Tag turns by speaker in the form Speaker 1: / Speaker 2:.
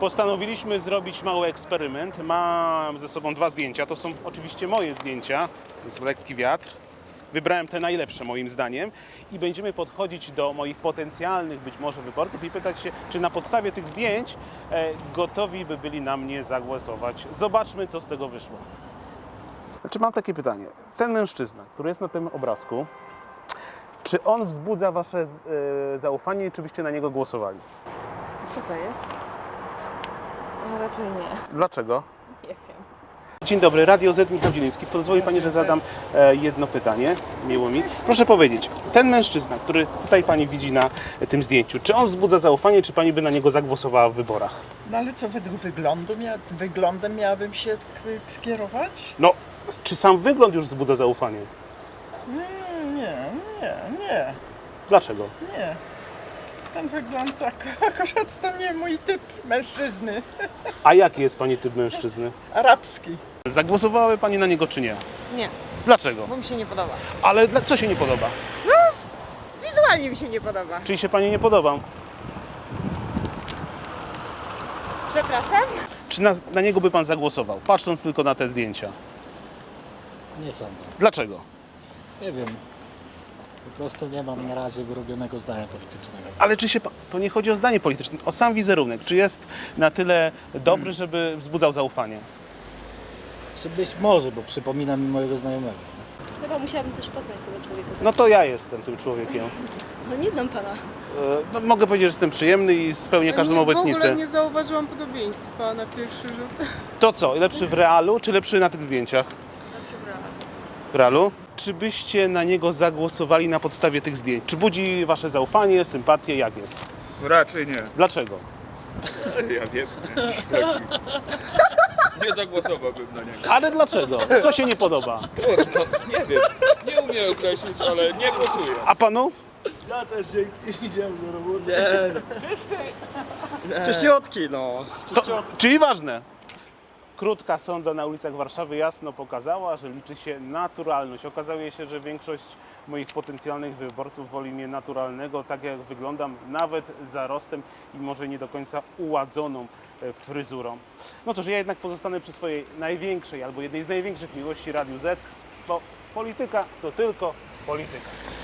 Speaker 1: Postanowiliśmy zrobić mały eksperyment. Mam ze sobą 2 zdjęcia. To są oczywiście moje zdjęcia. Jest lekki wiatr. Wybrałem te najlepsze moim zdaniem i będziemy podchodzić do moich potencjalnych być może wyborców i pytać się, czy na podstawie tych zdjęć gotowi by byli na mnie zagłosować. Zobaczmy, co z tego wyszło. Znaczy, mam takie pytanie. Ten mężczyzna, który jest na tym obrazku, czy on wzbudza wasze zaufanie, czy byście na niego głosowali?
Speaker 2: Co to jest? No raczej nie.
Speaker 1: Dlaczego?
Speaker 2: Nie wiem.
Speaker 1: Dzień dobry, Radio Z, Michał Zieliński. Pozwoli Pani, że zadam jedno pytanie. Miło mi. Proszę powiedzieć, ten mężczyzna, który tutaj Pani widzi na tym zdjęciu, czy on wzbudza zaufanie, czy Pani by na niego zagłosowała w wyborach?
Speaker 3: No ale co, według wyglądem miałabym się skierować?
Speaker 1: No, czy sam wygląd już wzbudza zaufanie?
Speaker 3: Nie.
Speaker 1: Dlaczego?
Speaker 3: Nie. Ten wygląd akurat to nie mój typ mężczyzny.
Speaker 1: A jaki jest Pani typ mężczyzny?
Speaker 3: Arabski.
Speaker 1: Zagłosowałaby Pani na niego, czy nie?
Speaker 2: Nie,
Speaker 1: Dlaczego?
Speaker 2: bo mi się nie podoba.
Speaker 1: Ale co się nie podoba?
Speaker 2: Wizualnie mi się nie podoba.
Speaker 1: Czyli się Pani nie podoba?
Speaker 2: Przepraszam?
Speaker 1: Czy na niego by Pan zagłosował, patrząc tylko na te zdjęcia?
Speaker 4: Nie sądzę.
Speaker 1: Dlaczego?
Speaker 4: Nie wiem. Po prostu nie mam na razie wyrobionego zdania politycznego.
Speaker 1: Ale czy się to nie chodzi o zdanie polityczne, o sam wizerunek. Czy jest na tyle dobry, żeby wzbudzał zaufanie?
Speaker 4: Czy być może, bo przypomina mi mojego znajomego.
Speaker 5: Chyba musiałabym też poznać tego człowieka.
Speaker 1: No to ja jestem tym człowiekiem.
Speaker 5: No nie znam pana.
Speaker 1: No, mogę powiedzieć, że jestem przyjemny i spełnię każdą
Speaker 6: W
Speaker 1: obietnicę.
Speaker 6: ogóle nie zauważyłam podobieństwa na pierwszy rzut.
Speaker 1: To co, lepszy w realu, czy lepszy na tych zdjęciach? W realu? Czy byście na niego zagłosowali na podstawie tych zdjęć? Czy budzi wasze zaufanie, sympatię? Jak jest?
Speaker 7: Raczej nie.
Speaker 1: Dlaczego?
Speaker 7: Ja wiem, nie zagłosowałbym na niego.
Speaker 1: Ale dlaczego? Co się nie podoba?
Speaker 7: Trudno, nie wiem. Nie umiem określić, ale nie głosuję.
Speaker 1: A panu?
Speaker 8: Czyściutki, no.
Speaker 1: Czyli ważne. Krótka sonda na ulicach Warszawy jasno pokazała, że liczy się naturalność. Okazuje się, że większość moich potencjalnych wyborców woli mnie naturalnego, tak jak wyglądam, nawet zarostem i może nie do końca uładzoną fryzurą. No to, że ja jednak pozostanę przy swojej największej albo jednej z największych miłości Radiu Z, bo polityka to tylko polityka.